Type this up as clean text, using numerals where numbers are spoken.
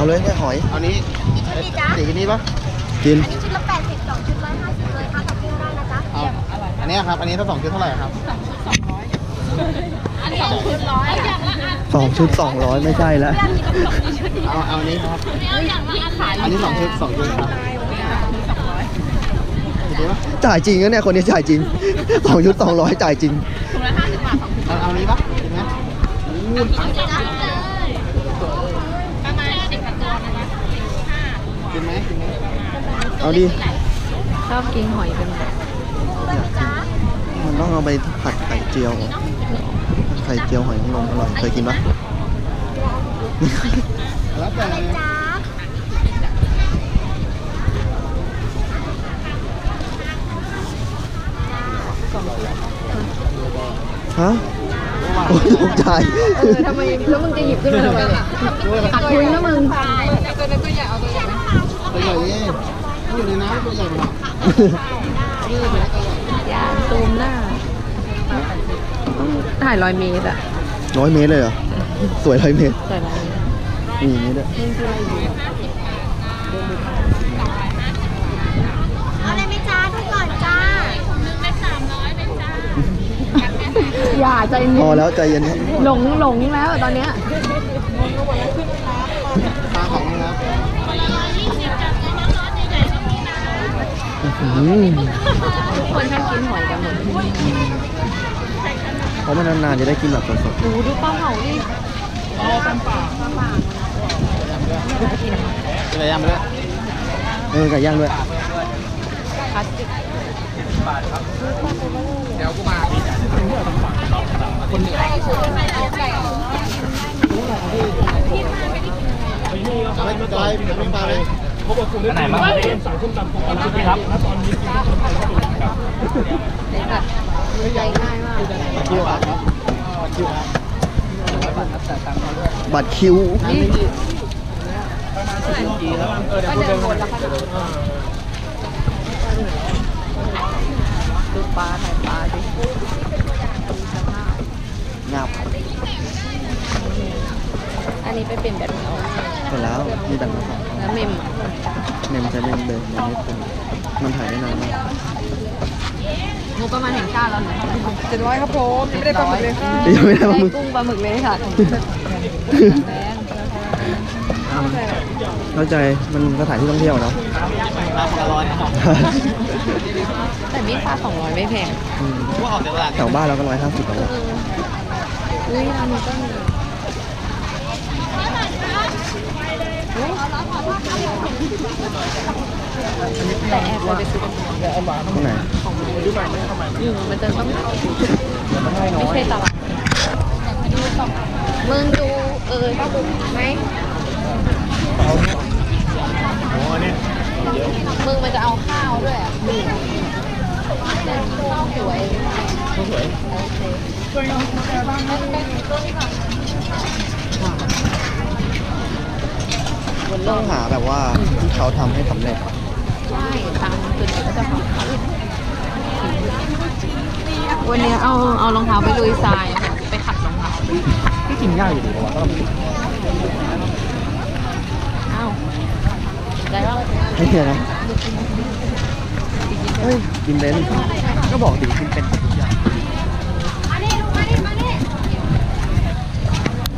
เลยเนี่ยหอยเอานี้กี่ชุดดีจ๊ะสีนี้ปะกินอันนี้ชุดละ80 2ชุด150เลยค่ะกับเพื่อนได้นะจ๊ะเอาอันนี้ครับอันนี้ถ้า2 ชุดเท่าไหร่ครับอันนี้2ชุด100อ่ะ 2 ชุด 200ไม่ใช่แล้วเอาอันนี้ครับอันนี้2 ชุด2 ชุดครับดีปะจ่ายจริงนะเนี่ยคนนี้จ่ายจริง2 ชุด 200จ่ายจริงเอาอันนี้ปะดีไหมจ๊ะกินไหมกินไหมเอาดิชอบกินหอยเป็นแบบจ๊ะมันต้องเอาไปผัดไข่เจียวไข่เจียวหอยนางรมอร่อยเคยกินปะแล้วแต่อะไรจ๊ะฮะโอ้ยตกใจทำไมแล้วมึงจะหยิบขึ้นมาทำไมเนี่ยขาดทุนนะมึงตัวใหญ่นี่อยู่ในน้ำตัวใหญ่หมดอย่าซูมหน้าต้องถ่าย100 เมตรอะ 100 เมตรเลยเหรอ สวย100 เมตรถ่าย100 เมตรมีอย่างนี้ด้วยเอาอะไรไหมจ๊ะดูก่อนจ้าอย่าใจพเย็อน แล้วใจเย็นครับหลงแล้วตอนเนี้ยปลาของนะครับทุกคนชอบกินหอยกันหมดเพราะมันนานๆจะได้กินแบบสดดูปลาเผาดิกินอะไรย่างไปด้วยๆไก่ย่างด้วยพลาสติกเดี๋ยวกูมาคนเหนือเอาไปจอยไม่ปลาเลยอันไหนบ้างสั่งส้มตำของร้านนี้ครับตอนนี้กินส้มตำของครับใจง่ายมากคิวครับคิวครับบัตรคิวนี่ก็เดินหมดแล้วค่ะดูปลาถ่ายปลาดิงับอันนี้ไปเป็นแบบนี้เอาเสร็จแล้วมีดังมาสองแล้วเมมอะเมมใช้เมมเดิมยังไม่เป็นมันถ่ายได้นานมากงบประมาณแห่งชาติเราเนี่ย 700ครับผมยังไม่ได้ปลาหมึกเลยค่ะยังไม่ได้ได้ปลาหมึกกุ้งปลาหมึกเลยค่ะแรงเข้าใจมันสถานที่ท่องเที่ยวเนาะปลาคนละ100ครับแต่มีค่า200ไม่แพงอืมว่าออกจากตลาดแถวบ้านเราก็150แล้วอะอุ้ยร้านนี้ก็มีแต่แอบไปซื้อที่ไหนมันจะต้องไม่ใช่ตลาดมึงดูป้าบุ๋มไหมมึงมันจะเอาข้าวด้วยอ่ะข้าวสวยโอเคมันต้องหาแบบว่าที่เขาทำให้สำเร็จใช่ตามตัวนี้ก็จะของเขาวันนี้เอารองเท้าไปลุยทรายไปขัดรองเท้าที่กินง่ายอยู่ดีว่าอ้าวได้แล้วให้เฮียนะเฮ้ยกินเบนซ์ก็บอกดิกินเป็นทุกอย่าง